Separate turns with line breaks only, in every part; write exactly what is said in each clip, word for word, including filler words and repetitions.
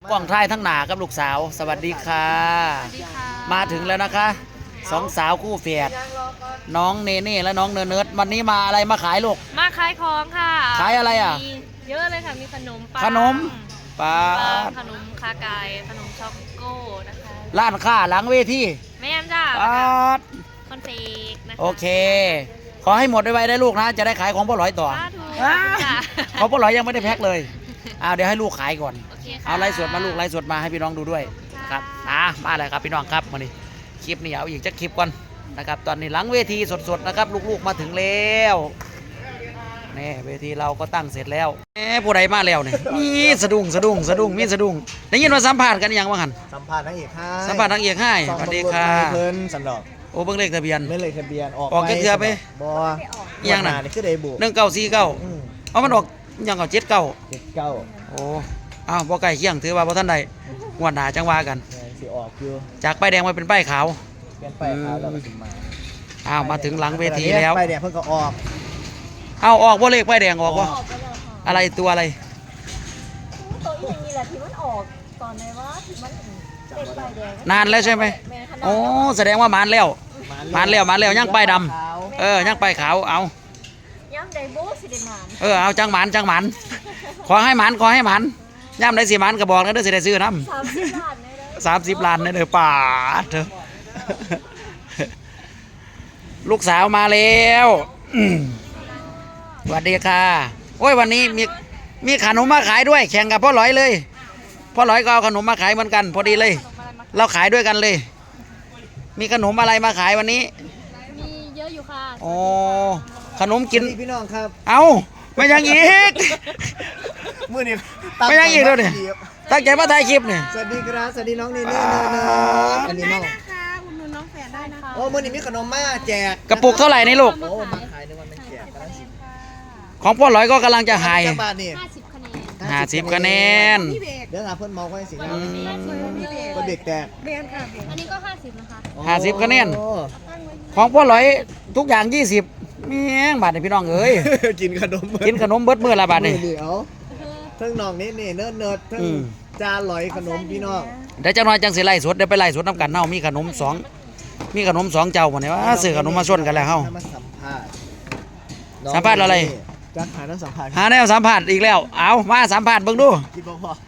กล้องถ่ายทั้งหนากับลูกสาวสวัสดีค่ะมาถึงแล้วนะคะสองสาวคู่แฝดน้องเนเน่และน้องเนิร์ดวันนี้มาอะไรมาขายลูก
มาขายของค่ะ
ขายอะไรอ่ะ
เยอะเลยค่ะมีขนมปัง
ขนมปลา
ขนมคาไก่ขนมช็อกโก้นะคะ
ร้านค้าหลังเวที
แม่จ้าคอนเฟกนะคะ
โอเคขอให้หมดไวๆได้ลูกนะจะได้ขายของพ่อหลอยต่อเพราะพ่อหลอยยังไม่ได้แพ็คเลยเอาเดี๋ยวให้ลูกขายก่อนเอาไลฟ์สดมาลูกไลฟ์สดมาให้พี่น้องดูด้วยครับอ่ะมาเลยครับพี่น้องครับมาดิคลิปนี้เอาอีกจะคลิปก่อนนะครับตอนนี้หลังเวทีสดๆนะครับลูกๆมาถึงแล้วนี่เวทีเราก็ตั้งเสร็จแล้วแหมผู้ใดมาแล้วเนี่ยมีสะดุ้งสะดุ้งสะดุ้งมีสะดุ้งได้ยินว่าสัมภาษณ์กันยังว่าหัน
สัมภาษณ์นางเอกให้
สัมภาษณ์นางเอกให้สวัสดีค่ะ
เพิ่นสันดอก
โอ้เบิ่งเลขทะเบียน
ไม่เลยทะเบียนออก
ออกเกือบไป
บ่
ยังน่ะ
นี่คือเดบุ
หนึ่งเก้าสี่เก้าเอามันออกยังเอาเจ็ดเก้า
เจ็ดเก้า
โอ้อ้าวบ่ไก่เคียงถือว่าบ่ท่านใดงวดหน้าจังว่ากัน
สิออกอยู่
จากป้ายแดงมาเป็นป้ายขาว
เปลี่ยนป้ายขาวแล้วก็ถึงมา
อ้าวมาถึงหลังเวทีแล้ว
ป้ายแดงเพิ่งก็ออก
เอาออกบ่เลขป้ายแดงออกบ่อะไรตัวอะไร
ตัวอีกนี่แหละที่มันออกตอนไหนวะที่มันเป็นป้ายแดง
นานแล้วใช่ไหมโอ้แสดงว่ามันแล้วมันแล้วมันแล้วยังป้ายดำเออยังป้ายขาวเอา
ย่ำไดโบสิเดมาน
เออเอาจังหมันจังหมันขอให้หมันขอให้หมันย่ำได้สิหมันก็บอกนะเด้อสิได้ซื้อน้ำ
สามสิบล้านเลย
สามสิบล้านเลยเด้อป่าเถอะลูกสาวมาแล้วสวัสดีค่ะโอ้ยวันนี้มีมีขนมมาขายด้วยแข่งกับพ่อหลอยเลยพ่อหลอยก็เอาขนมมาขายเหมือนกันพอดีเลยเราขายด้วยกันเลยมีขนมอะไรมาขายวันนี้
มีเยอะอยู่ค่ะ
โอ้ขนมกิน
พี่น้องครับ
เอาไม่ยังอีก
มื้อนี้
ไม่ยังอีกแล้วเนี่ยตั้งใจมาถ่ายคลิปเนี่ย
สวัสดีครับสวัสดีน้องนี่นี่อันนี้น้อง
คุณนุ่นน้องแฝดได้นะคะ
โอ้มื้อนี้มีขนมมาแจก
กระปุกเท่าไหร่นี่ลูก
โอ้มาขายในวันเป็นแจก
ของพ่อหลอยก็กำลังจะหาย
ห้าสิบคะแนน
ห้าสิบคะแนน
เดี๋ยวหาเพื่อนเมาไว้สิก็เด็กแตก
อันนี้ก็ห้าสิบนะคะ
ห้าสิบคะแนนของพ่อหลอยทุกอย่างยี่สิบเมียงบาทนี่พี่น้องเอ้ย
กินขนม
กินขนมเบิดมื้อละบาทนี่
เดี๋ยวทั้งน้องนี่นี่เนิร์ดเนิร์ดทั้งจานลอยขนมพี่น้อง
เดี๋ยวจังหน่อยจังสิไล่สดเดี๋ยวไปไล่สดน้ำกันเฮามีขนมสองมีขนมสองเจ้าหมดเนี่ยว่าซื้อขนมมาชนกันแล้วเฮาสัมภาษณ์อะไร
จะหาน้ำสัมภาษณ์
หาแนวสัมภาษณ์อีกแล้วเอามาสัมภาษณ์เบิ่งดู
คิดบ่พอ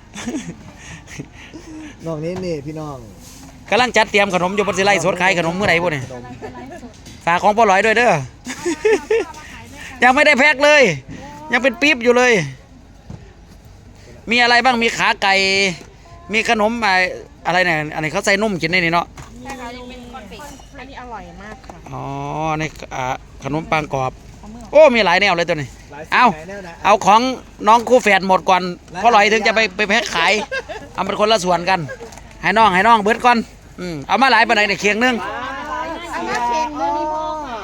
น้องนี่นี่พี่น้อง
กำลังจัดเตรียมขนมอยู่บนสิไล่สดขายขนมเมื่อไหร่พวกนี้ฝากของพ่อหลอยด้วยเด้อยังไม่ได้แพ็คเลยยังเป็นปี๊บอยู่เลยมีอะไรบ้างมีขาไก่มีขนมอะไรเนี่ยอันนี้เขาใส่นุ่มกินได้นี่เนาะ
ใช่ค่ะยังเป็นคอนเฟกอันนี้อร่อยมากค่ะ
อ๋อในขนมปังกรอบโอ้มีหลายแนวเลยตัวนี้เอาเอาของน้องคู่แฝดหมดก่อนพ่อหลอยถึงจะไปไปแพ็คขายเอาเป็นคนละส่วนกันให้น้องให้น้องเบิดก่อนอืมเอามาหลายปานใดเนี่ยเคียงนึง
เอามาเคียงนึงนี่พ่อ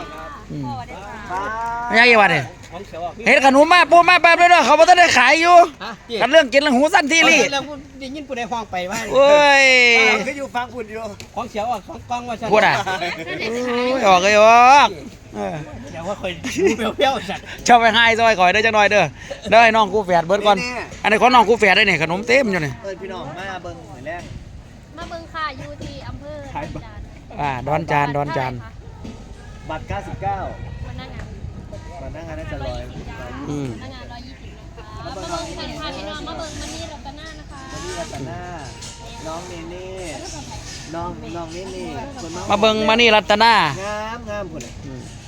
ไม่ใช่ยังไงเนี่ยเห็นขนมมาปูมาแป๊บเลยเนาะเขาบอกต้องได้ขายอยู่กันเรื่องกินเรื่องหูสั้นที่รี่
ได้ยินปุ่นในห้องไปว่า
โอ้ย
ก็อยู่ฟังปุ่นอยู่ของเสียวอ่ะของกล้องว่า
พูดอ่ะออกเลยออก
เดี๋ยวว่าคอยเปรี้ยวๆจัด
ชอบไปให้ซอยก่อยได้จังหน่อยเด้อได้น้องกูแฝดเบิร์ดก่อนอันนี้ของน้องกูแฝดได้เนี่ยขนมเต็มอยู่เนี่ย
เออพี่น้องมาเบิ้งหน่อยแรก
มาเบิ้งค่ะอยู่ที่อำเภอ
อ่าดอนจานดอนจาน
บัตรเก้าสิบเก้า
วันนั่งงาน
วันนั่งงานน่าจะร้อย
อืม
นั่งงานร้อยยี่สิบนะคะมาเบิ้งสันพาพี่น้องมาเบิ้งมันนี่รัตนานะคะ
มันนี่รัตนาน้องเนเน่น้องน้องเนเน่
มาเบิ้งมานี่รัตนาง
ามงามคนเลย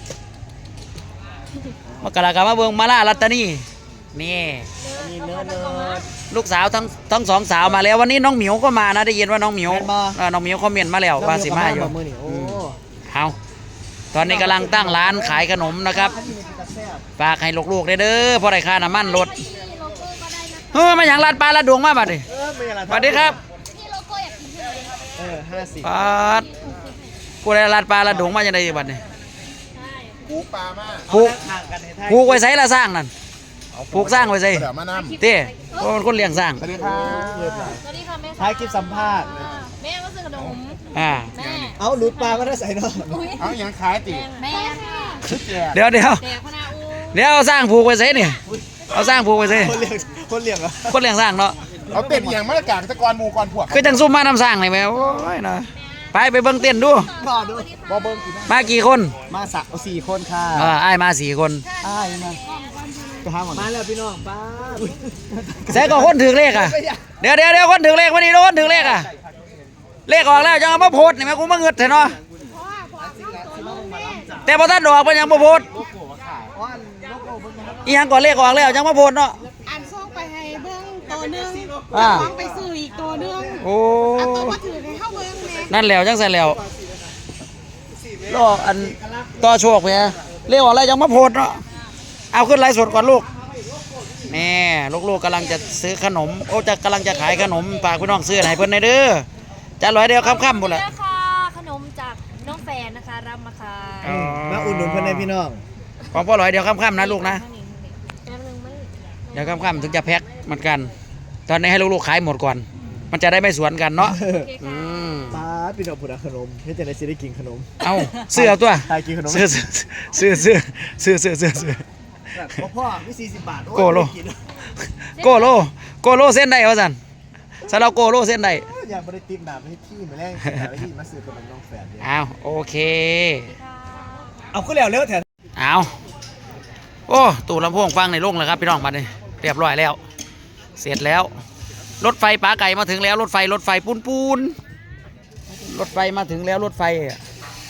มากระกามาเบิ้งมาล่ารัตนีนี่ลูกสาวทั้งทั้งสองสาวมาแล้ววันนี้น้องหมิวก็มานะได้ยินว่าน้องหมิวน้องหมิวคอมเมนต์มาแล้วว่าสิมาอยู่เอาตอนนี้กำลังตั้งร้านขายขนมนะครับฝากให้ลูกๆเด้อเพราะได้ค่าน้ำมันรถเฮ้ยมาอย่างลาดปลาลาดดวงมาบัดดิสวัสดีครับ
เออห้าสิบ
ปาดกูได้ลาดปลาลาดดวงมาอย่างไรบัดนี่
ผูกปลามา
ผูกผูกไว้ใส่ละสร้างนั่นผูกสร้างไว้ใส่เต้เพราะมันคนเลี้ยงสร้าง
สวัสดีครับ
สวัสดีค่ะแม่
ท้ายคลิปสัมภาษณ์
แม่ก็ซื้อขนม
อ่า
แม่
เอาหลุดปลามาได้ใส่เนาะ
เอาอย่างขายติ
แม่
เดี๋ยวเดี๋ยวเดี๋ยวเอาสร้างผูกไว้ใส่เนี่ยเอาสร้างผูกไว้ใส่
คนเลี้ยงคนเลี้ยงเหรอ
คนเลี้ยงสร้างเนาะ
เอาเต้นอย่างมาตรการตะกอนหมู่ก่อนพวก
คือจังซุ่มมาน้ำสร้างเลยแม่โอ้ยนะไปไปเบิ่งเต้นดู
พ่อดู
บ่เบิ่งสิ
มากี่คน
มาสักเอาสี่คนค่ะ
เอออ้ายมาสี่คน
อ้ายมาไปหาหมอมาแล้วพี่น้องป้า
ใส่ก็คนถือเลขอ่ะเดี๋ยวเดี๋ยวเดี๋ยวคนถือเลขวันนี้คนถือเลขอ่ะเลขออกแล้วจังเอามาโพสนี่แม่กูมาเงิดเถอะเนาะแต่พอท่านออกมันยังมาโพสอีหยังก่อนเลขออกแล้วจังมาโพสเนาะ
อันส่งไปให้เบิ้งตัวหนึง
อ่า
ต้องไปซื้ออีกตัวหนึง
โอ้
อันตัวมาถือให้เข้าเบิ้งแม่
นั่นแล้วจังใส่แล้วรออันต่อโชคไปเลขออกแล้วจังมาโพสเนาะเอาขึ้นไลฟ์สดก่อนลูกนี่ลูกๆกำลังจะซื้อขนมโอ้จะกำลังจะขายขนมฝากพี่น้องซื้อให้เพิ่นในเด้อจะร้อยเดียวค่ำๆหมดแหละ
เด้อค่ะขนมจากน้องแฟนนะคะรับมาค่ะ
มาอุดหนุนเพื่อนในพี่น้อง
ของพ่อร้อยเดียวค่ำๆนะลูกนะ
แป๊บนึงมัน
เดี๋ยวค่ำๆถึงจะแพ็คเหมือนกัน ตอนนี้ให้ลูกๆขายหมดก่อน มันจะได้ไม่สวนกันเนาะ
โอเค
อื
ค่ะ
ม
ป้าพี่น้องผุดขนมไม่จะได้สิได้กินขนม
เอาเสื้อตัว
ตายกินขนม
เสื้อเสื้อเสื้อเสื้อเสื้อเสื้อเสื้อ
พ่อมีสี่สิบบาท
โกโล โกโลโกโลเส้นได้วะสันสำหรับโกโลเส้นได้
อยากบริติมหนาไปที่มาแรงไปที่มาซื้อขนมน้องแฝด
เอาโอเค
เอาก็แล้วเร็วแถว
เอาโอ้ตู้ลำโพงฟังในโล่งเลยครับพี่น้องมาเลยเรียบร้อยแล้ว เสร็จแล้ว รถไฟป๋าไก่มาถึงแล้วรถไฟรถไฟปูนปูนรถไฟมาถึงแล้วรถไฟอะ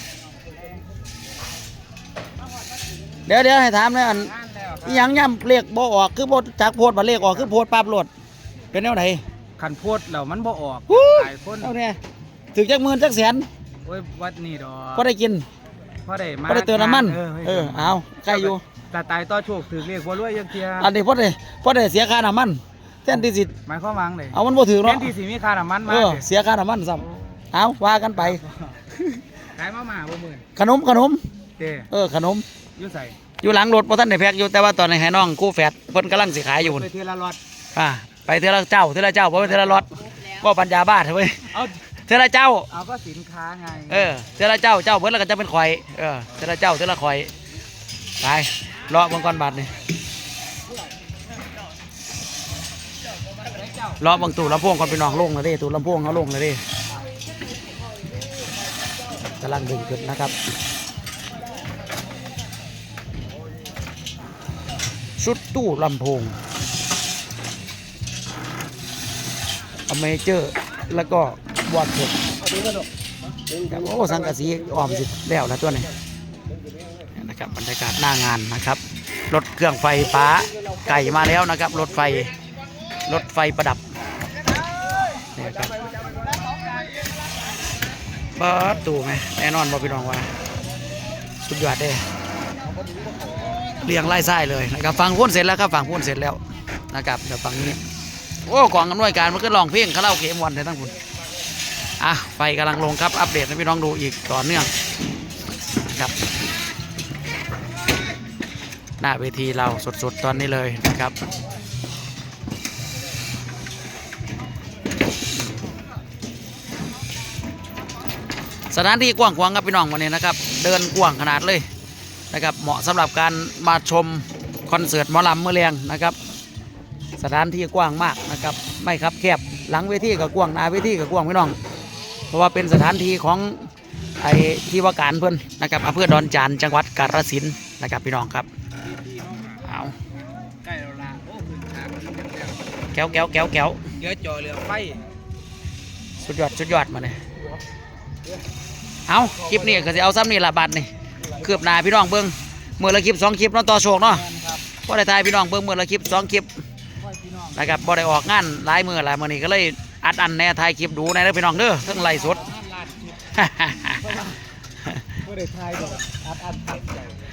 เดี๋ยวเดี๋ยวให้ถามเลยอันอิหยังย่ำเลขบ่ออกคือบ่จากโพดมาเลขออกคือโพดปั๊บรถเป็นแนวไหน
ขันโพดแล้วมันบ่ออก
ฮู้
หลายคน
เอาเนี่ยถึงจักหมื่นจักแสน
โอ้ยวัดนี่ดอก
ก็ได้กิน
พอได้มา
ก็ได้เติมน้ำมัน
เออ
เออเอาใกล้อยู่
ตาตายต่อโชคถือเรียกว่ารวยยังเทีย
อันนี้พอได้พอได้เสียค่าน้ำมันแทนที่สิ
หมายความว่าไงเลย
เอามันบ่ถือ
แท
เนาะ
นที่สิมีค่าน้ำมันมา
เออเสียค่าน้ำมันซ้ำเอาว่ากันไป
ขายมาหมาบ่หมื่น
ขนมขนม
เด้
เออขนม
อยู่ใส่
อยู่หลังรถบ่ทันได้แพ็กอยู่แต่ว่าตอนนี้ให้น้องกู้แฟดเพิ่นกำลังสิขายอยู่พุ่น
ไปเทละรอด
อ่าไปเทอละเจ้าเทอละเจ้าบ่เป็นเทอละรถบ่ปัญญาบ้าเถอะเว้ย
เอา
เทอละเจ้า
เอาก็สินค้าไง
เออเทอละเจ้าเจ้าเพิ่นแล้วก็จะเป็นข่อยเออเทอละเจ้าเทอละข่อยไปรอเบิ่งก่อนบัดนี่รอเบิ่งตู้ลำโพงก่อนพี่น้องลงเลยเด้ตู้ลำโพงเขาลงเลยเด้กำลังดึงขึ้นนะครับชุดตู้ลำโพงอเมเจอร์แล้วก็บอดสดครับโอ้สังกะสีออมสิแล้วนะตัวนี้นะครับบรรยากาศหน้างานนะครับรถเครื่องไฟฟ้าไก่มาแล้วนะครับรถไฟรถไฟประดับนี่ครับเปิดตู้ไหมแน่นอนบอพี่น้องว่าสุดยอดเด้เรียงไล่ไส้เลยนะครับฟังพูนเสร็จแล้วครับฟังพูนเสร็จแล้วนะครับเดี๋ยวฟังนี้โอ้กองอำนวยการมันก็ลองเพลงคาราโอเกะมวนเลยทั้งคุณอ่ะไฟกำลังลงครับอัปเดตให้พี่น้องดูอีกต่อเนื่องนะครับหน้าเวทีเราสดๆตอนนี้เลยนะครับสถานที่กว้างขวางครับพี่น้องวันนี้นะครับเดินกว้างขนาดเลยนะครับเหมาะสำหรับการมาชมคอนเสิร์ตหมอลำเมื่อเรียงนะครับสถานที่กว้างมากนะครับไม่ครับแคบหลังเวทีกับกว้างหน้าเวทีกับกว้างพี่น้องเพราะว่าเป็นสถานที่ของไอ้ที่ว่าการเพื่อนนะครับอำเภอดอนจานจังหวัดกาฬสินธุ์นะครับพี่น้องครับเอา
ใกล้แล้วล่ะโอ้พื้นทางมันเรียบแล้ว
แก้วแก้วแก้วแก้ว
เดี๋ยวจอเรือไฟ
สุดยอดสุดยอดมาเนี่ยเอาคลิปนี้ก็จะเอาซ้ำนี่ละบาทนี่คืบหน้าพี่น้องเบิ้งเมื่อละคลิปสองคลิปเนาะต่อโชคเนาะก็ได้ทายพี่น้องเบิ้งเมื่อละคลิปสองคลิปนะครับบ่ได้ออกงานหลายมือหลายมือนี่ก็เลยอัดอันแน่ทายคลิปดูในเด้อพี่น้องเด้อทั้งไลฟ์สด
ไม่ได้ทายดอกอัดอัดอัดใจ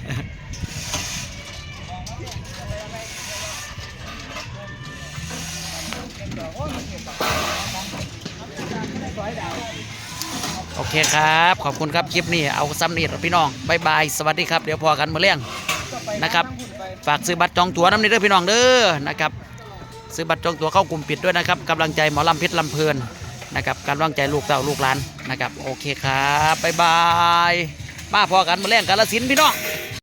โอเคครับขอบคุณครับคลิปนี้เอาซ้ำนี่พี่น้องบายบายสวัสดีครับเดี๋ยวพอกันมาเลี้ยงนะครับฝากซื้อบัตรจองตั๋วน้ำนี้ด้วยพี่น้องเด้อนะครับซื้อบัตรจองตั๋วเข้ากลุ่มปิดด้วยนะครับกำลังใจหมอลำเพชรลำเพลินนะครับกำลังใจลูกเต้าลูกหลานนะครับโอเคครับบายบายมาพอกันมาเลี้ยงกาฬสินธุ์พี่น้อง